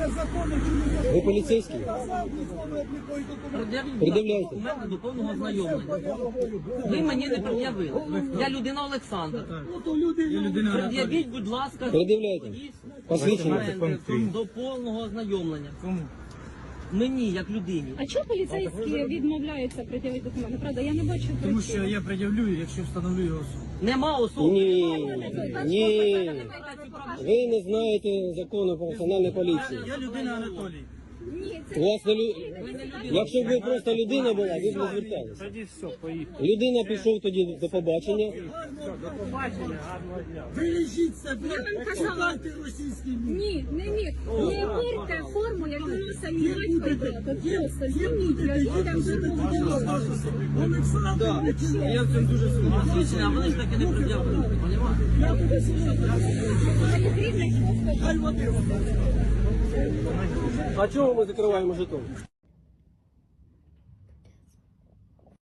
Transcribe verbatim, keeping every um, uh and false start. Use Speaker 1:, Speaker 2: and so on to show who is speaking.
Speaker 1: Ви поліцейський? Пред'являйте.
Speaker 2: Документи до повного знайомлення. Ви мені не пред'явили. Я людина Олександр. Пред'явіть, будь ласка,
Speaker 1: Пред'являйте. Посвідчення.
Speaker 2: документи до повного ознайомлення. Мені, як людині.
Speaker 3: А чого поліцейські відмовляються пред'явити документи? Правда, я не бачу.
Speaker 4: Тому що я пред'явлю, якщо встановлю його особу.
Speaker 2: Нема особи.
Speaker 1: Ні, ні. Ви не знаєте закону про національну поліцію.
Speaker 4: Я людина Анатолій.
Speaker 3: Ні,
Speaker 1: У вас не лю... Якщо б ви просто людина була, ви б не зверталися.
Speaker 4: Тоді все, поїхали.
Speaker 1: Людина пішов тоді до побачення.
Speaker 4: Вилежіть себе,
Speaker 3: шукайте
Speaker 4: російський мір.
Speaker 3: ні, не міг. Не вірте форму, яку носить мій батько і тато. Просто зніміть, я людям зробив.
Speaker 4: Олександр,
Speaker 2: Я в цьому дуже сумніваюся. А вони ж таки не пред'явили. Понімаєте?
Speaker 1: А чого ми закриваємо жетон?